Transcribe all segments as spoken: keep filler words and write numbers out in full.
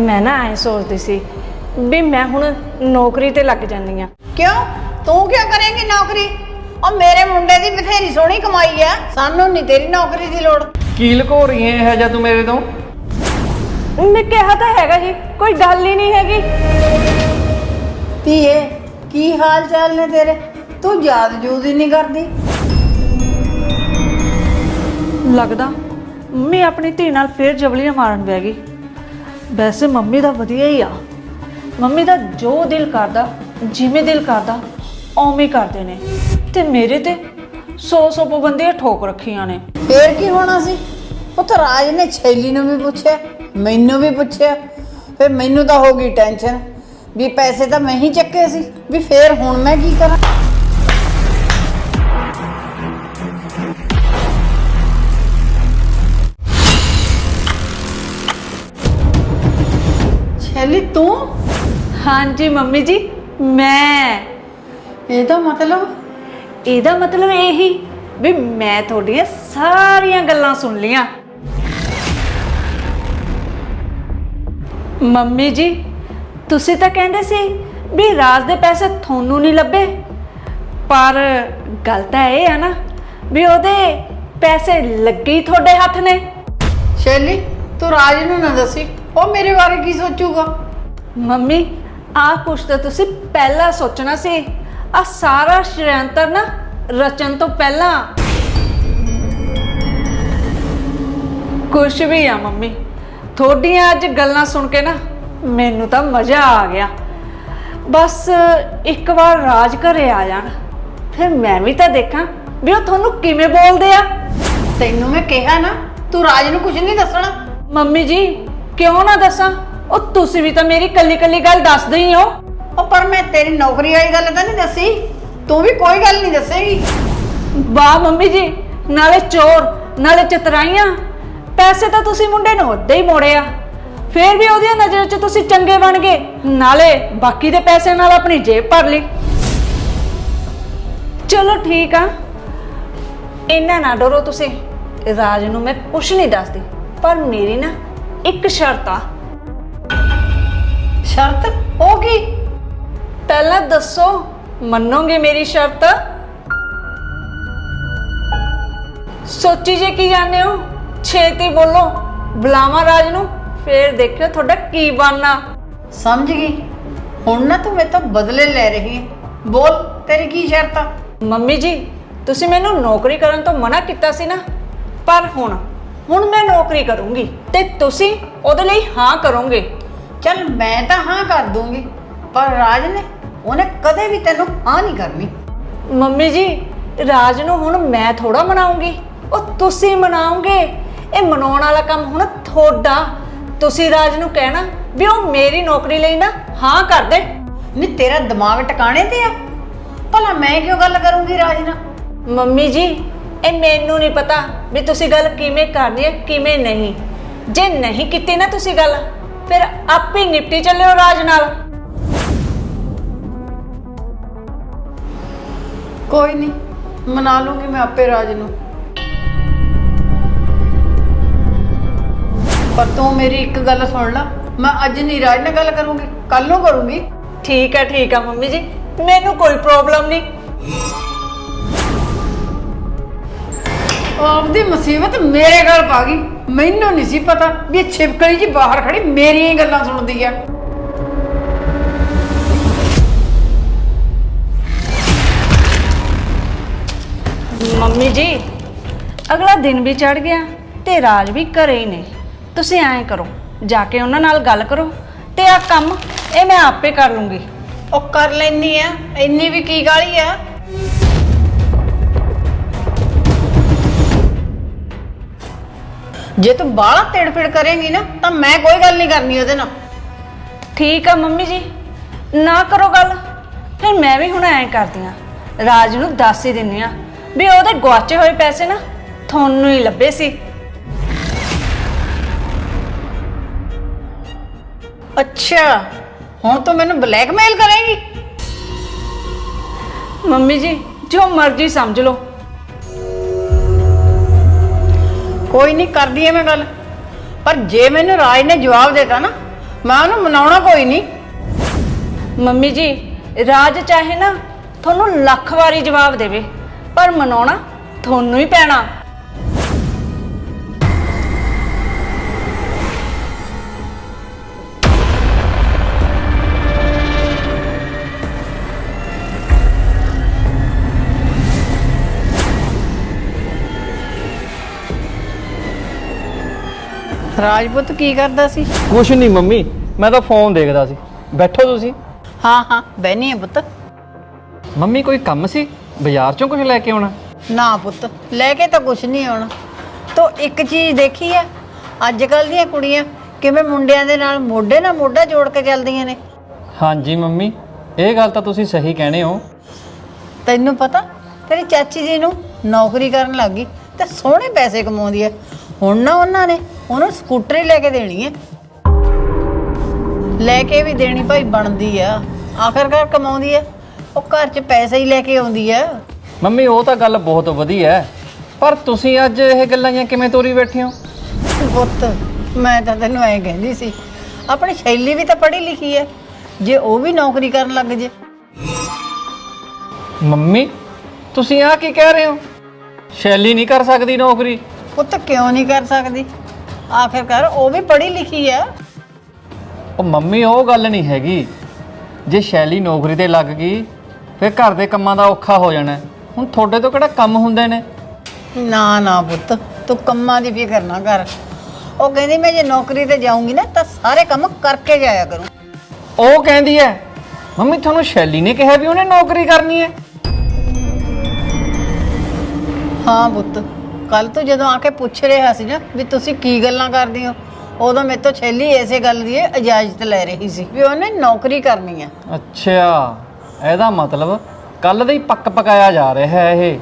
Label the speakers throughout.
Speaker 1: मैं ना ऐ सोचती सी भी मैं हुण नौकरी ते लग जानी आ।
Speaker 2: क्यों तू क्या करेंगी नौकरी? और मेरे मुंडे दी बथेरी सोहनी कमाई है, सानू नहीं तेरी नौकरी दी लोड़।
Speaker 3: की लुको रही है है जा तू मेरे तो?
Speaker 1: मैं कहा तो हैगा जी, कोई गल ही नहीं हैगी।
Speaker 2: धीए की हाल चाल ने तेरे? तू याद जूद ही नहीं करदी।
Speaker 1: लगदा मैं अपनी धी नाल फिर जबलियां मारन बह गई। वैसे मम्मी दा वधिया ही आ, मम्मी दा जो दिल करदा जिवें दिल करदा उवें करदे ने ते मेरे ते सौ सौ पाबंदियां ठोक रखियां ने।
Speaker 2: फिर की होना सी? उत्थे राज ने छैली नूं भी पुछया, मैनू भी पुछया, फिर मैनू तो हो गई टेंशन भी पैसे तो मैं ही चक्के सी, भी फिर हुण मैं की करा? छैली तू?
Speaker 1: हाँ जी मम्मी जी, मैं
Speaker 2: ਇਹਦਾ मतलब
Speaker 1: ਇਹਦਾ मतलब यही भी मैं थोड़ियां सारियां गल्लां सुन लियां। मम्मी जी तुसी तां कहंदे सी भी राज दे पैसे थोनू नहीं लभे, पर गल तां इह है ना भी ओहदे पैसे लगे ही थोड़े हत्थ ने।
Speaker 2: शैली तू राज नूं ना दसी, ਉਹ ਮੇਰੇ ਬਾਰੇ ਕੀ ਸੋਚੂਗਾ?
Speaker 1: मम्मी आ कुछ तो तुसी पहला सोचना सी, आ सारा षड्यंत्र ना रचन तो पहला। कुछ भी आ मम्मी, थोड़ियां अज गल्लां सुन के ना मैनू तो मज़ा आ गया। बस एक बार राज घरे आ जान, फिर मैं भी तो देखा भी वो थोनू किवें बोलदे आ।
Speaker 2: तैनू मैं कहा ना तू राज नूं कुछ नहीं दसना।
Speaker 1: मम्मी जी क्यों ना दसा, और तुसी भी तो मेरी कली कली गल दसदे ही हो।
Speaker 2: ਉਹ ਪਰ ਮੈਂ ਤੇਰੀ ਨੌਕਰੀ ਵਾਲੀ ਗੱਲ ਤਾਂ ਨਹੀਂ ਦੱਸੀ, ਤੂੰ ਵੀ ਕੋਈ ਗੱਲ ਨਹੀਂ ਦੱਸੇਗੀ।
Speaker 1: वाह मम्मी जी, नाले चोर नाले चतराइयां, पैसे तो तुसी मुंडे नूं उद्दां ही मोड़े आ, फिर भी ओहदी नज़र च तुसी चंगे बन गए, नाले बाकी दे पैसे नाल अपनी जेब भर ली। चलो ठीक आ, इन्ना ना डरो तुसी, राज नूं मैं कुछ नहीं दसदी, पर मेरी ना एक शर्त आ।
Speaker 2: शर्त? ਉਹ ਕੀ?
Speaker 1: पहला दसो मनोगे मेरी शर्त? सोची जे की जाने हो, छेती बोलो, बुलावा राज नूं, फिर देखियो थोड़ा की बनना।
Speaker 2: समझ गई, हुण ना तू मेरे तो बदले ले रही है, बोल तेरी की शर्त आ?
Speaker 1: मम्मी जी तुसी मैनू नौकरी करन तो मना किया सी ना, पर हुण हुण मैं नौकरी करूंगी ते तुसी ओहदे लई हाँ करोगे।
Speaker 2: चल मैं तो हाँ कर दूंगी, पर राज ने उन्हें कदे भी तेनू हाँ नहीं करनी।
Speaker 1: मम्मी जी राज नूं हुण मैं थोड़ा मनाऊंगी, ਉਹ ਤੁਸੀਂ ਮਨਾਓਗੇ। ਇਹ ਮਨਾਉਣ ਵਾਲਾ ਕੰਮ ਹੁਣ ਤੁਹਾਡਾ। ਤੁਸੀਂ ਰਾਜ ਨੂੰ ਕਹਿਣਾ ਵੀ ਉਹ ਮੇਰੀ ਨੌਕਰੀ ਲਈ ਨਾ ਹਾਂ ਕਰ ਦੇ।
Speaker 2: ਨਹੀਂ ਤੇਰਾ ਦਿਮਾਗ ਟਿਕਾਣੇ ਤੇ ਆ? ਭਲਾ ਮੈਂ ਕਿਉਂ ਗੱਲ ਕਰੂੰਗੀ ਰਾਜ ਨਾਲ?
Speaker 1: ਮੰਮੀ ਜੀ ਇਹ ਮੈਨੂੰ ਨਹੀਂ ਪਤਾ ਵੀ ਤੁਸੀਂ ਗੱਲ ਕਿਵੇਂ ਕਰਨੀ ਹੈ ਕਿਵੇਂ ਨਹੀਂ। ਜੇ ਨਹੀਂ ਕੀਤੀ ਨਾ ਤੁਸੀਂ ਗੱਲ, ਫਿਰ ਆਪੇ ਨਿਪਟੀ ਚੱਲਿਓ ਰਾਜ ਨਾਲ।
Speaker 2: ਕੋਈ ਨਹੀਂ, ਮਨਾ ਲੂੰਗੀ ਮੈਂ ਆਪੇ ਰਾਜ ਨੂੰ। पर तू मेरी एक गल सुन ला, मैं अज नहीं राज ने गल करूंगी, कल नूं करूंगी।
Speaker 1: ठीक है ठीक है मम्मी जी, मैनू कोई प्रॉब्लम नहीं।
Speaker 2: आपदी मुसीबत मेरे गल पा गई, मैनू नहीं सी पता भी छिपकली जी बाहर खड़ी मेरी ही गल्लां सुनदी है।
Speaker 1: मम्मी जी अगला दिन भी चढ़ गया ते राज भी घरे ही ने। तुसी ऐं करो, जाके उन्हां नाल गल करो ते आ काम ये मैं आपे कर लूंगी।
Speaker 2: ओ कर लैनी आ, इन्नी भी की गाली आ? जे तू बाला तिड़फिड़ करेंगी ना तो मैं कोई गल नहीं करनी ओहदे नाल।
Speaker 1: ठीक है मम्मी जी, ना करो गल, फिर मैं भी हुण ऐं करदी आं, राज नूं दस ही दिन्नी आं भी ओहदे गुआचे होए पैसे ना थोनू ही लभे सी।
Speaker 2: अच्छा हुण तू मैनू ब्लैकमेल करेंगी?
Speaker 1: मम्मी जी जो मर्जी समझ लो।
Speaker 2: कोई नहीं, कर दी है मैं गल, पर जे मैनू राज ने जवाब देता ना ਮੈਂ ਉਹਨੂੰ ਮਨਾਉਣਾ ਕੋਈ ਨਹੀਂ।
Speaker 1: ਮੰਮੀ ਜੀ, ਰਾਜ ਚਾਹੇ ਨਾ ਤੁਹਾਨੂੰ ਲੱਖ ਵਾਰੀ ਜਵਾਬ ਦੇਵੇ, ਪਰ ਮਨਾਉਣਾ ਤੁਹਾਨੂੰ ਹੀ ਪੈਣਾ।
Speaker 2: ਰਾਜਪੁੱਤ ਕੀ ਕਰਦਾ ਸੀ?
Speaker 3: ਕੁਛ ਨਹੀਂ ਮੰਮੀ, ਮੈਂ ਤਾਂ ਫੋਨ ਦੇਖਦਾ ਸੀ। ਬੈਠੋ ਤੁਸੀਂ।
Speaker 2: ਹਾਂ ਹਾਂ ਬਹਿਨੀ ਆ ਪੁੱਤ।
Speaker 3: ਮੰਮੀ ਕੋਈ ਕੰਮ ਸੀ? ਬਾਜ਼ਾਰ ਚੋਂ ਕੁਝ ਲੈ ਕੇ ਆਉਣਾ?
Speaker 2: ਨਾ ਪੁੱਤ, ਲੈ ਕੇ ਤਾਂ ਕੁਛ ਨਹੀਂ ਆਉਣਾ। ਤੋ ਇੱਕ ਚੀਜ਼ ਦੇਖੀ ਆ, ਅੱਜ ਕੱਲ ਦੀਆਂ ਕੁੜੀਆਂ ਕਿਵੇਂ ਮੁੰਡਿਆਂ ਦੇ ਨਾਲ ਮੋਢੇ ਨਾਲ ਮੋਢਾ ਜੋੜ ਕੇ ਚੱਲਦੀਆਂ ਨੇ।
Speaker 3: ਹਾਂਜੀ ਮੰਮੀ, ਇਹ ਗੱਲ ਤਾਂ ਤੁਸੀਂ ਸਹੀ ਕਹਿੰਦੇ ਹੋ।
Speaker 2: ਤੈਨੂੰ ਪਤਾ ਤੇਰੀ ਚਾਚੀ ਜੀ ਨੂੰ ਨੌਕਰੀ ਕਰਨ ਲੱਗੀ ਤੇ ਸੋਹਣੇ ਪੈਸੇ ਕਮਾਉਂਦੀ ਆ। ਹੁਣ ਨਾ ਉਹਨਾਂ ਨੇ ਉਹਨੂੰ ਸਕੂਟਰੀ ਲੈ ਕੇ ਦੇਣੀ ਹੈ। ਲੈ ਕੇ ਵੀ ਦੇਣੀ ਭਾਈ ਬਣਦੀ ਆ, ਆਖਰਕਾਰ ਕਮਾਉਂਦੀ ਆ, ਉਹ ਘਰ 'ਚ ਪੈਸੇ ਹੀ ਲੈ ਕੇ ਆਉਂਦੀ ਆ।
Speaker 3: ਮੰਮੀ ਉਹ ਤਾਂ ਗੱਲ ਬਹੁਤ ਵਧੀਆ ਹੈ, ਪਰ ਤੁਸੀਂ ਅੱਜ ਇਹ ਗੱਲਾਂ ਜਾਂ ਕਿਵੇਂ ਤੋਰੀ ਬੈਠੇ ਹੋ?
Speaker 2: ਪੁੱਤ ਮੈਂ ਤਾਂ ਤੈਨੂੰ ਐਂ ਕਹਿੰਦੀ ਸੀ, ਆਪਣੀ ਸ਼ੈਲੀ ਵੀ ਤਾਂ ਪੜ੍ਹੀ ਲਿਖੀ ਹੈ, ਜੇ ਉਹ ਵੀ ਨੌਕਰੀ ਕਰਨ ਲੱਗ ਜੇ।
Speaker 3: ਮੰਮੀ ਤੁਸੀਂ ਆ ਕੀ ਕਹਿ ਰਹੇ ਹੋ? ਸ਼ੈਲੀ ਨਹੀਂ ਕਰ ਸਕਦੀ ਨੌਕਰੀ?
Speaker 2: ਪੁੱਤ ਕਿਉਂ ਨਹੀਂ ਕਰ ਸਕਦੀ? ਆਖਰਕਾਰ ਉਹ ਵੀ ਪੜ੍ਹੀ ਲਿਖੀ ਆ।
Speaker 3: ਉਹ ਮੰਮੀ ਉਹ ਗੱਲ ਨਹੀਂ ਹੈਗੀ, ਜੇ ਸ਼ੈਲੀ ਨੌਕਰੀ ਤੇ ਲੱਗ ਗਈ ਫਿਰ ਘਰ ਦੇ ਕੰਮਾਂ ਦਾ ਔਖਾ ਹੋ ਜਾਣਾ। ਹੁਣ ਤੁਹਾਡੇ ਤੋਂ ਕਿਹੜਾ ਕੰਮ ਹੁੰਦੇ ਨੇ?
Speaker 2: ਨਾ ਨਾ ਪੁੱਤ, ਤੂੰ ਕੰਮਾਂ ਦੀ ਫਿਕਰ ਨਾ ਕਰ। ਉਹ ਕਹਿੰਦੀ ਮੈਂ ਜੇ ਨੌਕਰੀ ਤੇ ਜਾਊਂਗੀ ਨਾ ਤਾਂ ਸਾਰੇ ਕੰਮ ਕਰਕੇ ਜਾਇਆ ਕਰੂੰ।
Speaker 3: ਉਹ ਕਹਿੰਦੀ ਹੈ? ਮੰਮੀ ਤੁਹਾਨੂੰ ਸ਼ੈਲੀ ਨੇ ਕਿਹਾ ਵੀ ਉਹਨੇ ਨੌਕਰੀ ਕਰਨੀ ਹੈ?
Speaker 2: ਹਾਂ ਪੁੱਤ, ਕੱਲ ਤੂੰ ਜਦੋਂ ਆ ਕੇ ਪੁੱਛ ਰਿਹਾ ਸੀ ਨਾ ਵੀ ਤੁਸੀਂ ਕੀ ਗੱਲਾਂ ਕਰਦੇ ਹੋ, ਉਦੋਂ ਮੇਰੇ ਤੋਂ ਛੇਲੀ ਇਸੇ ਗੱਲ ਦੀ ਇਜਾਜ਼ਤ ਲੈ ਰਹੀ ਸੀ ਵੀ ਉਹਨੇ ਨੌਕਰੀ ਕਰਨੀ ਹੈ।
Speaker 3: ਅੱਛਾ, ਇਹਦਾ ਮਤਲਬ ਕੱਲ ਦਾ ਹੀ ਪੱਕ ਪਕਾਇਆ ਜਾ ਰਿਹਾ ਹੈ ਇਹ।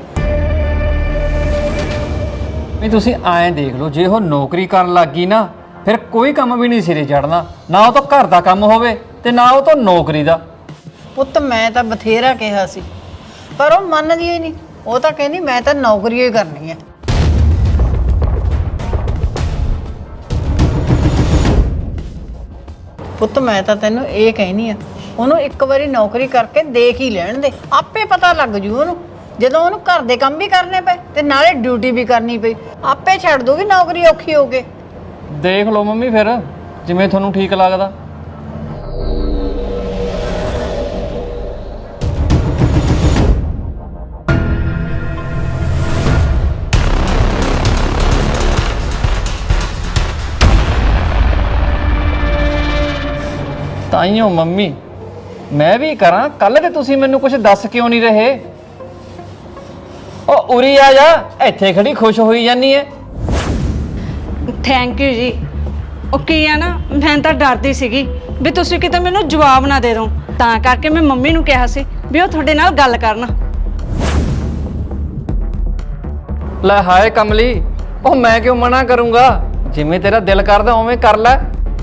Speaker 3: ਵੀ ਤੁਸੀਂ ਐਂ ਦੇਖ ਲਓ, ਜੇ ਉਹ ਨੌਕਰੀ ਕਰਨ ਲੱਗ ਗਈ ਨਾ ਫਿਰ ਕੋਈ ਕੰਮ ਵੀ ਨਹੀਂ ਸਿਰੇ ਚੜਨਾ, ਨਾ ਉਹ ਤੋਂ ਘਰ ਦਾ ਕੰਮ ਹੋਵੇ ਤੇ ਨਾ ਉਹ ਤੋਂ ਨੌਕਰੀ ਦਾ।
Speaker 2: ਪੁੱਤ ਮੈਂ ਤਾਂ ਬਥੇਰਾ ਕਿਹਾ ਸੀ, ਪਰ ਉਹ ਮੰਨਦੀ ਹੀ ਨਹੀਂ। ਉਹ ਤਾਂ ਕਹਿੰਦੀ ਮੈਂ ਤਾਂ ਨੌਕਰੀ ਹੀ ਕਰਨੀ ਹੈ। ਪੁੱਤ ਮੈਂ ਤਾਂ ਤੈਨੂੰ ਇਹ ਕਹਿਨੀ ਆ, ਉਹਨੂੰ ਇੱਕ ਵਾਰੀ ਨੌਕਰੀ ਕਰਕੇ ਦੇਖ ਹੀ ਲੈਣ ਦੇ, ਆਪੇ ਪਤਾ ਲੱਗ ਜੂ ਉਹਨੂੰ। ਜਦੋਂ ਉਹਨੂੰ ਘਰ ਦੇ ਕੰਮ ਵੀ ਕਰਨੇ ਪਏ ਤੇ ਨਾਲੇ ਡਿਊਟੀ ਵੀ ਕਰਨੀ ਪਈ, ਆਪੇ ਛੱਡ ਦੂਗੀ ਨੌਕਰੀ ਔਖੀ ਹੋ ਕੇ।
Speaker 3: ਦੇਖ ਲਓ ਮੰਮੀ ਫਿਰ ਜਿਵੇਂ ਤੁਹਾਨੂੰ ਠੀਕ ਲੱਗਦਾ। ਤਾਈਓ ਮੰਮੀ ਮੈਂ ਵੀ ਕਰਾਂ, ਕੱਲ ਤੇ ਤੁਸੀਂ ਮੈਨੂੰ ਕੁਝ ਦੱਸ ਕਿਉਂ ਨਹੀਂ ਰਹੇ? ਉਹ ਉਰੀ ਆ ਜਾ, ਇੱਥੇ ਖੜੀ ਖੁਸ਼ ਹੋਈ ਜਾਨੀ ਐ।
Speaker 1: ਥੈਂਕ ਯੂ ਜੀ। ਉਹ ਕੀ ਆ ਨਾ, ਮੈਂ ਤਾਂ ਡਰਦੀ ਸੀਗੀ ਵੀ ਤੁਸੀਂ ਕਿਤੇ ਮੈਨੂੰ ਜਵਾਬ ਨਾ ਦੇ ਦਿਓ, ਤਾਂ ਕਰਕੇ ਮੈਂ ਮੰਮੀ ਨੂੰ ਕਿਹਾ ਸੀ ਵੀ ਉਹ ਤੁਹਾਡੇ ਨਾਲ ਗੱਲ ਕਰਨ।
Speaker 3: ਲੈ ਹਾਏ ਕਮਲੀ, ਉਹ ਮੈਂ ਕਿਉਂ ਮਨਾ ਕਰੂੰਗਾ? ਜਿਵੇਂ ਤੇਰਾ ਦਿਲ ਕਰਦਾ ਉਵੇਂ ਕਰ ਲੈ।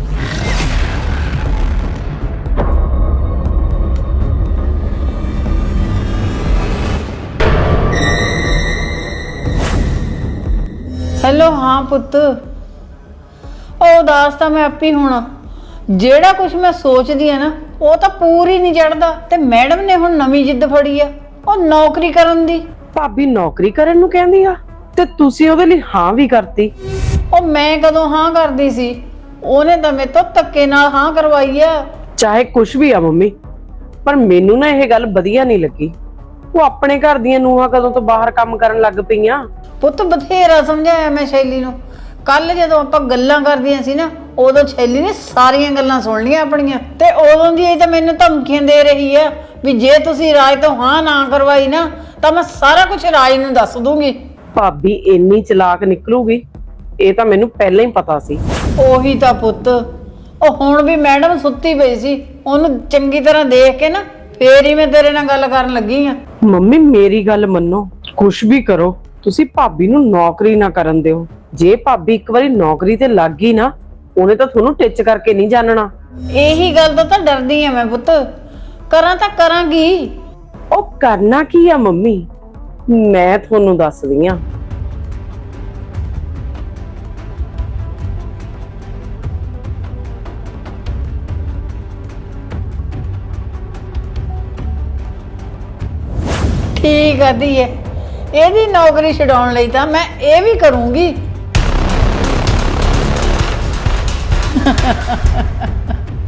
Speaker 2: ਹੈਲੋ, ਹਾਂ ਪੁੱਤ। ਉਹ ਉਦਾਸ ਤਾਂ ਮੈਂ ਆਪੀ ਹੋਣਾ, ਜਿਹੜਾ ਕੁਝ ਮੈਂ ਸੋਚਦੀ ਆ ਨਾ ਉਹ ਤਾਂ ਪੂਰੀ ਨਹੀਂ ਚੜਦਾ। ਤੇ ਮੈਡਮ ਨੇ ਹੁਣ ਨਵੀਂ ਜਿੱਦ ਫੜੀ ਆ, ਉਹ ਨੌਕਰੀ ਕਰਨ ਦੀ।
Speaker 4: ਭਾਬੀ ਨੌਕਰੀ ਕਰਨ ਨੂੰ ਕਹਿੰਦੀ ਆ ਤੇ ਤੁਸੀਂ ਉਹਦੇ ਲਈ ਹਾਂ ਵੀ ਕਰਤੀ?
Speaker 2: ਉਹ ਮੈਂ ਕਦੋਂ ਹਾਂ ਕਰਦੀ ਸੀ? ਉਹਨੇ ਤਾਂ ਮੇਰੇ ਤੋਂ ਧੱਕੇ ਨਾਲ ਹਾਂ ਕਰਵਾਈ ਆ।
Speaker 4: ਚਾਹੇ ਕੁਝ ਵੀ ਆ ਮੰਮੀ, ਪਰ ਮੈਨੂੰ ਨਾ ਇਹ ਗੱਲ ਵਧੀਆ ਨਹੀਂ ਲੱਗੀ। ਉਹ ਆਪਣੇ ਘਰ ਦੀਆਂ ਨੂੰਹਾਂ ਕਦੋਂ ਤੋਂ ਬਾਹਰ ਕੰਮ ਕਰਨ ਲੱਗ ਪਈਆਂ।
Speaker 2: ਪੁੱਤ ਬਥੇਰਾ ਸਮਝਾਇਆ ਮੈਂ ਸ਼ੈਲੀ ਨੂੰ। ਕੱਲ ਜਦੋਂ ਆਪਾਂ ਗੱਲਾਂ ਕਰਦੀਆਂ ਸੀ ਨਾ, ਉਦੋਂ ਸ਼ੈਲੀ ਨੇ ਸਾਰੀਆਂ ਗੱਲਾਂ ਸੁਣ ਲਈਆਂ ਆਪਣੀਆਂ, ਤੇ ਉਦੋਂ ਦੀ ਇਹ ਤਾਂ ਮੈਨੂੰ ਧਮਕੀਆਂ ਦੇ ਰਹੀ ਆ ਵੀ ਜੇ ਤੁਸੀਂ ਰਾਜ ਤੋਂ ਹਾਂ ਨਾ ਕਰਵਾਈ ਨਾ ਤਾਂ ਮੈਂ ਸਾਰਾ ਕੁਝ ਰਾਜ ਨੂੰ ਦੱਸ ਦੂੰਗੀ।
Speaker 4: ਭਾਬੀ ਇੰਨੀ ਚਲਾਕ ਨਿਕਲੂਗੀ ਇਹ ਤਾਂ ਮੈਨੂੰ ਪਹਿਲਾਂ ਹੀ ਪਤਾ ਸੀ।
Speaker 2: ਉਹੀ ਤਾਂ ਪੁੱਤ, ਉਹ ਹੁਣ ਵੀ ਮੈਡਮ ਸੁੱਤੀ ਪਈ ਸੀ, ਉਹਨੂੰ ਚੰਗੀ ਤਰ੍ਹਾਂ ਦੇਖ ਕੇ ਨਾ ਫੇਰ ਹੀ ਮੈਂ ਤੇਰੇ ਨਾਲ ਗੱਲ ਕਰਨ ਲੱਗੀ ਆ।
Speaker 4: ਮੰਮੀ ਮੇਰੀ ਗੱਲ ਮੰਨੋ, ਕੁਛ ਵੀ ਕਰੋ, ਤੁਸੀਂ ਭਾਬੀ ਨੂੰ ਨੌਕਰੀ ਨਾ ਕਰਨ ਦਿਓ। ਜੇ ਭਾਬੀ ਇੱਕ ਵਾਰੀ ਨੌਕਰੀ ਤੇ ਲੱਗ ਗਈ ਨਾ, ਉਹਨੇ ਤਾਂ ਤੁਹਾਨੂੰ ਟਿੱਚ ਕਰਕੇ ਨਹੀਂ ਜਾਣਨਾ।
Speaker 2: ਇਹੀ ਗੱਲ ਤੋਂ ਤਾਂ ਡਰਦੀ ਆ ਮੈਂ ਪੁੱਤ, ਕਰਾਂ ਤਾਂ ਕਰਾਂਗੀ।
Speaker 4: ਉਹ ਕਰਨਾ ਕੀ ਆ ਮੰਮੀ, ਮੈਂ ਤੁਹਾਨੂੰ ਦੱਸਦੀ ਆ।
Speaker 2: ਠੀਕ ਆ ਧੀਏ, ਇਹਦੀ ਨੌਕਰੀ ਛਡਾਉਣ ਲਈ ਤਾਂ ਮੈਂ ਇਹ ਵੀ ਕਰੂੰਗੀ।